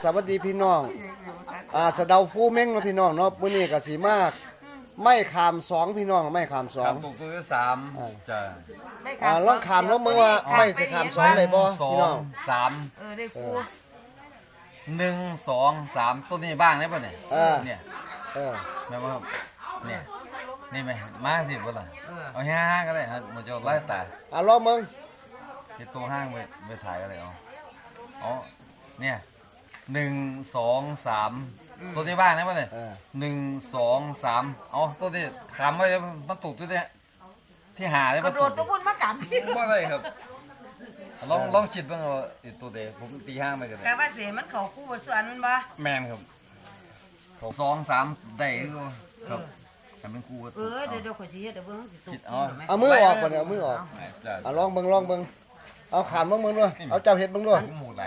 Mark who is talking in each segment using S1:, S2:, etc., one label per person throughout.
S1: สวัสดีพี่น้องสะเดาผู้เม้งเนาะพี่น้องเนาะมื้อนี้ก็สิมาไม่ขามสองพี่น้องไม่ขามสอง
S2: ตกตัวที่สามจ้ะ
S1: ลองขามลองมึงว่าไม่สิขามสองได้บ่
S2: สอ
S1: พี่น้อง
S2: งสาม
S3: ได้ครู
S2: หนึ่งสองสามตัวนี้บ้างได้ป่ะเนี่ยเนี่ย
S1: เออ
S2: แม่ว่าเนี่ยนี่ไหมมาสิบ่ล่ะเอาห้างก็ได้ครับมันจะไล่ตา
S1: ลองมึง
S2: ที่ตัวห้างไปถ่ายอะไรเอาเนี่ยหนึ่งสองสามตัวที่บ้างได้ป่ะเนี่ยหนึ่งสองสามเอาตัวที่ขามไว้มันตกตัวนี้ที่หาได้
S3: ก
S2: ป่ะ
S3: ระโดดตัวพุ่นมากัน
S2: ว่าอะไรครับลองคิดบ้างว่าตัวเดียวผมตีห้างไปกันเลย
S3: แต่ว่าเสียมันเขาคู่บส่วนมันบ่
S2: แมนครับสองสามได้ครับทำเป็นคู่
S3: เดี๋ยวข่อยสิเฮ็ดเดี๋ยวเบิ่งสิตก
S1: เอามือออกก่อนเอามือออกลองเบิ่งเอาขามลองมึงด้วยเอาเจ้าเฮ็ดมึงด้วย
S2: หมูได้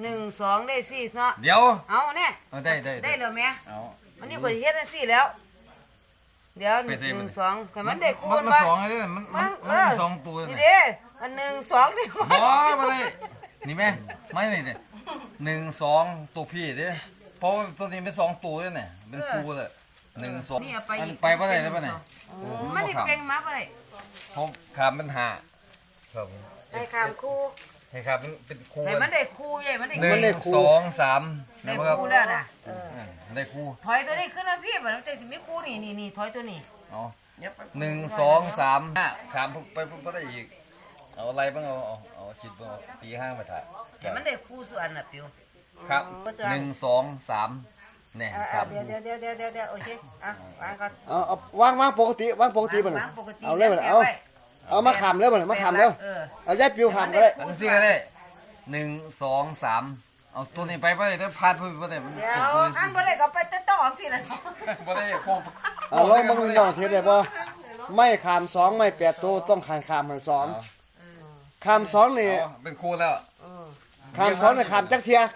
S3: 1 2ได้4เนาะ
S2: เดี๋ยว
S3: เอาเนี่ยได้แล้วแม่อันนี้ข่อยเฮ็ดจังซี่แล้วเดี๋ยว1 2ให้มันได้คู่
S2: มันสองเลยมันสองตัว
S3: นี่เด้อัน1 2นี่
S2: บ่มาเลยนี่แม่ไม่เลยเนี่ยหนึ่งสองตัวพี่เด้เพราะตัวนี้เป็นสองตัวเลยเนี่ยเป็นคู่เลยหนึ่งสองไปป่ะไหนได้ป่ะไหน
S3: มันได้เก่งมาบ่ได้
S2: เขาขามเป็นหาครับ
S3: ให้ข้ามคู่
S2: ให้ครับเป็นคู่
S3: ให้มันได้คู่ใหญ่มันได้
S2: หนึ่งสองสาม
S3: ได้คู่แล้วน่ะ
S2: ได้คู่
S3: ถอยตัวนี้ขึ้นมาพี่บ่ต้องสิมีคู่นี่ถอยตัวนี้
S2: เอาหนึ่งสองสามห้าขามไปได้อีกเอาอะไรบ้างเอาคิดบ้างตีห้างมาถ่าย
S3: แต่มันได้คู่ส่วนน่ะปิว
S2: ครับหนึ่งสองสามเนี่ยครับ
S3: เดี๋ยวโอเควางก่อน
S1: เอาวางปกติบ่น่ะเอาเลยบ่น่ะเอามาขามเลยบ่น่ะมาขามแล้วเอาย้ายปิวขามก็ได้
S2: อันนี้ก็ได้หนึ่งสองสามเอาตัวนี้ไปได้ถ้าพลาดเพิ่มไปได้
S3: เดี๋ยวอันบ่ได้ก็ไปต้องออกสิล่ะ
S2: บ่ได้โคบ
S1: ลองมึงพี่น้องเฮ็ดได้บ่ไม่ขามสองไม่แปดตัวต้องขามหันสองขามสองนี่
S2: เป็นคู่แล้ว
S1: ขามสองนี่ขามจักเทีย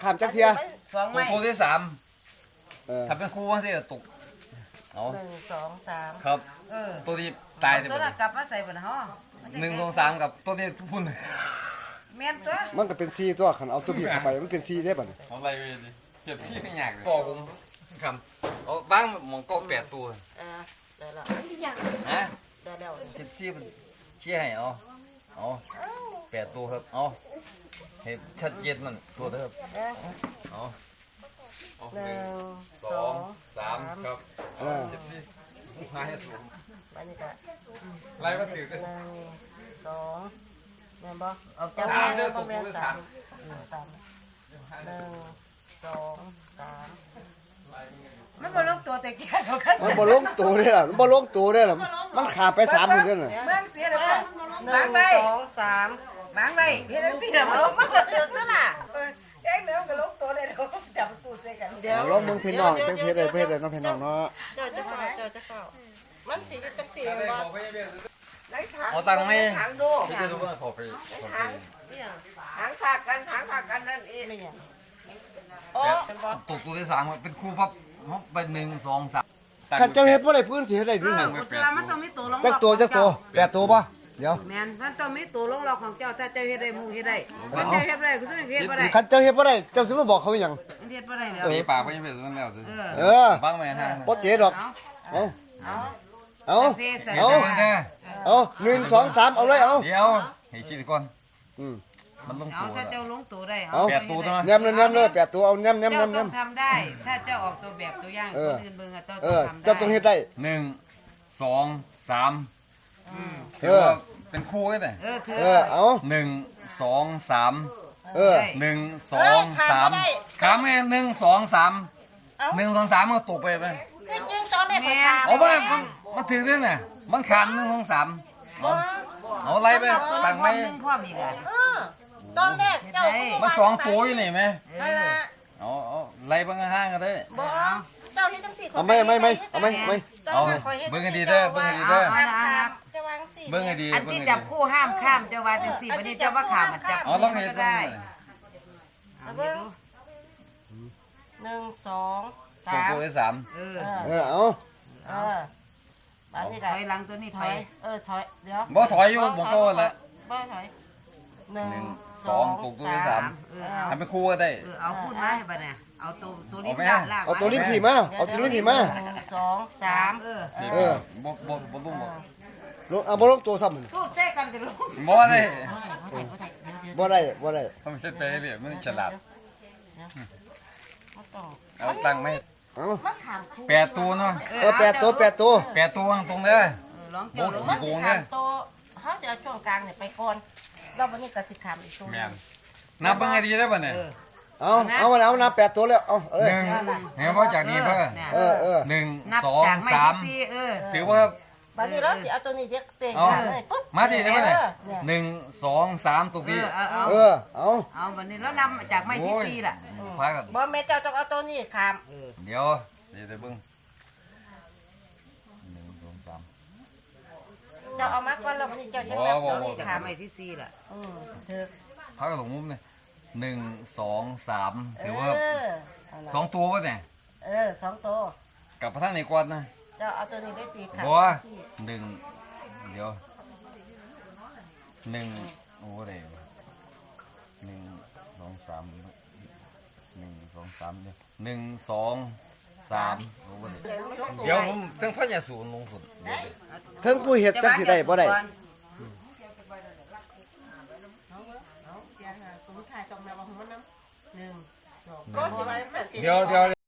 S3: 2ไม้
S2: คู่ที่สามถ้าเป็นคู่ว่าสิตกเอา
S3: 1 2 3
S2: ครับตัวนี้ตายเลย
S3: ตัวนั้นกลับมาใส่บ่นะฮะ
S2: หนึ่งสองสามกับตัวนี้พุ่น
S3: แม่นตัว
S1: มันก็เป็นซีตัวขันเอาตัวพี่เข้าไปมันเป็นซีได้ป่ะเนี่ย
S2: เอาอะไรไปดิเก็บซี่ไม่ยากเลยก็ผมคำเอาบ้างมองก็แปดตัว
S3: ได้แล้ว
S2: ฮะ
S3: ได้แล้ว
S2: เก็บซี่มันเชี่ยให้เอาแปดตัวครับเอาเห็นชัดเจนนั่นตัวเด้อครับเอาหนึ่งสองสามครับเก็บซี่มาให้สูง
S3: บรรยากาศ
S2: ไล่มาถือกัน
S3: 1 2แม่นบ่เอาจับ
S2: สามเด้อตก
S3: แม่
S2: ตัว
S3: น
S2: สาม
S3: 1 2 3มันบ่ลงตัวแต่แก่เขาก็
S1: มันบ่ลงตัวได้ล่ะมันบ่ลงตัวได้ล่ะมันขามไป3พุ่นเด้อน่ะ
S3: เมืองเสียแล้ววางไป2 3วางไปเฮ็ดจังซี่น่ะมันลงมาถึกนั่นล่ะแจ้งแล้วก็ลงตัวได้แล้วจับสูตรใส่กันเดี๋ยว
S1: ลองมึงพี่น้องจังเฮ็ดได้เฮ็ดได้น้องพี่น้องเนาะ
S3: เจ้าจะเข้ามันสิจังซี่
S2: อะไร
S3: บ่
S2: ขอไปเรื่อย
S3: ได้ทาง
S2: เอาตังค์ไหม
S3: ทางดู
S2: ที่จะรู้ว่าขอไป
S3: ทางฝากกันนั่นเองไม่ยังโอ้
S2: ตกตัวที่สามเป็นคู่ปั๊บเขาไปหนึ่งสองสาม
S1: คันเจ้าเฮ็ดบ่ได้พื้นสิเฮ็ดได้ดิ
S3: อุตส่าห์มันต้องมีตัวลง
S1: จักตัว8ตัวบ่เดี๋ยว
S3: แม่นมันต้องมีตัวลงหลอกของเจ้าถ้าเจ้าเฮ็ดได้หมู่เฮ็ดได้ถ้าเจ้าเฮ็ดบ่ได้กูสิเฮ็ดบ่ได้
S1: คันเจ้าเฮ็ดบ่ได้เจ้าสิมาบอกเขาอีหยัง
S3: เฮ็ดบ่ได้แล้ว
S2: ตีปากไปยังเป็นนั่นแล้วสิ
S1: เออ
S2: ฟังไหมฮะ
S1: บ่เตะดอกเอาเอา1 2 3เอาเลยเอา
S2: เดี๋ยวให้คิดก่อนมันลง
S3: เอา
S2: ตัว
S3: ถ้าเจ้าลงตัวได้
S2: แปดตัวเท่านั้น
S1: แนมเลย8ตัวเอาแนม
S3: เจ้าต้องทำได้ถ้าเจ้าออกตัวแบบตัวอย่างคนอื่นเบิ่งเจ้าต้องทำได้
S1: เจ้าต้องเฮ็ดได้
S2: หนึ่งสองสามเป็นคู่กันเลย
S1: เอา
S2: หนึ่งสองสาม หนึ่งสองสามขามไงหนึ่งสองสาม1 2 3มันตกไปไหม
S3: จริงตอนนี้
S2: เอาไปมันถือด้วยน่ะมันขาม1 2 3เอาไล่ไปตั้งไม่
S3: พร้อมอีกอ่ะ
S4: ตอนแรกเจ้า
S2: มันสองตัวอยู่นี่ไหมเอาไล่บางห้างก็ได้
S4: บ่เจ้าที่จังสี่
S1: เอาไม่
S2: เอาเบิ้งให้ดีเด้อเบิ้งให้ดีเด้อ
S4: จะวางสี่
S2: เบิ้งให้ดี
S3: อันที่จับคู่ห้ามข้ามเจ้าว่าจังซี่บัดนี้เจ้าว่าข้ามมันจับ
S2: เอาลองเห็น
S3: ก็ได้
S4: เบิ้ง1 2
S2: ตัวตัวที่สาม
S1: เอา
S4: อันนี้
S3: ถ
S4: ก็
S3: อยหลังตัวนี้ถ
S4: ถ
S3: อ
S4: อย ยถอยเดี๋ยว
S2: บ่ถอยอยู่บ่โก้แล้ว
S4: บ่ถอย1
S2: สองตกตัวที่สาม ทำเป็นคู่ก็ได้
S3: เอาพูดมาให้บัดเนี่ยเอาตัวนี้
S2: เอาไหม
S3: ลาก
S1: เอาตัวลิ้นผีมาเอาตัวลิ้นผีมา
S4: 1 2 3
S2: นี่
S1: เออ
S2: บ่บุ้งบ่
S1: ลงเอาบ่ลงตัวซ้ำมัน
S3: พูดแท้กันจะลง
S2: บ่ได้
S1: บ่ได้บ่ได้
S2: ต้องเฮ็ดไปเรื่อยมันฉลาด
S4: บ่ต้อง
S2: เอาตังค์ไหม
S1: เอา
S4: มาถามครู
S2: 8ตัวเนาะ
S1: แปดตัว
S2: 8ตัวตรงเด้อ
S3: ร้อง
S2: บ่
S3: เจ้า
S2: ขี้โกงเด้อ
S4: โตเฮาจะเอาช่วงกลางเนี่ยไปก่อนแล้ววันนี้ก็สิถามอีกตัว
S2: แม่นนับเบิ่งให้ดีเด้อบัดนี้
S1: เอามาแล้วนับแปดตัวแล้วเอาเอาเลย
S2: 1เห็นบ่จากนี้เพิ่น
S1: เออ
S3: นับ
S2: 1 2
S3: จากไม่ที่
S2: 3
S3: สี่
S2: ถือว่า
S4: บัดนี้เราสิเอาตัวนี้เด็กเตะ
S2: เอา
S4: เลยปุ๊บ
S2: มาที่ได้บ่เนี่ย
S4: เนี่ย
S2: 1 2 3ตรงนี้
S1: เอา
S3: เอาวันนี้แล้วนำจากไม่ที่สี่ล่ะ
S2: พากัน
S4: บ่แม่เจ้าต้องเอาตัวนี้ขาม
S2: เดี๋ยวเบิ่ง1 2 3
S4: เจ้าเอามาก่อนแล้ววันนี้เจ้าจะ
S2: บ่
S4: นับ
S2: บ่
S4: ตัว
S2: บ่
S4: นี้
S3: จาก
S4: ขาม
S3: ไม่ที่สี่ล่ะ
S4: ถือ
S2: พากันลงมุมนี่1 2 3ถือว่า
S4: เอาล่ะ
S2: 2ตัวบ่เนี่ย
S4: 2ตัว
S2: กลับไปทางไหนก่อนนะ
S4: เจ้าเอาตัวนี้ได้ตีขาม
S2: บัวหนึ่งเดี๋ยว1โอ้เดี๋ยว1 2 3 1 2 3เดี๋ยว1 2 3โอ้เดี๋ยวผมถึงพญาสูนลงสุดเดี๋ยว
S1: เทิงผู้เฮ็ดจักสิได้บ่ได้
S4: สมมุติถ่ายตรงแนวหัวน้ำ1 2
S2: เดี๋ยว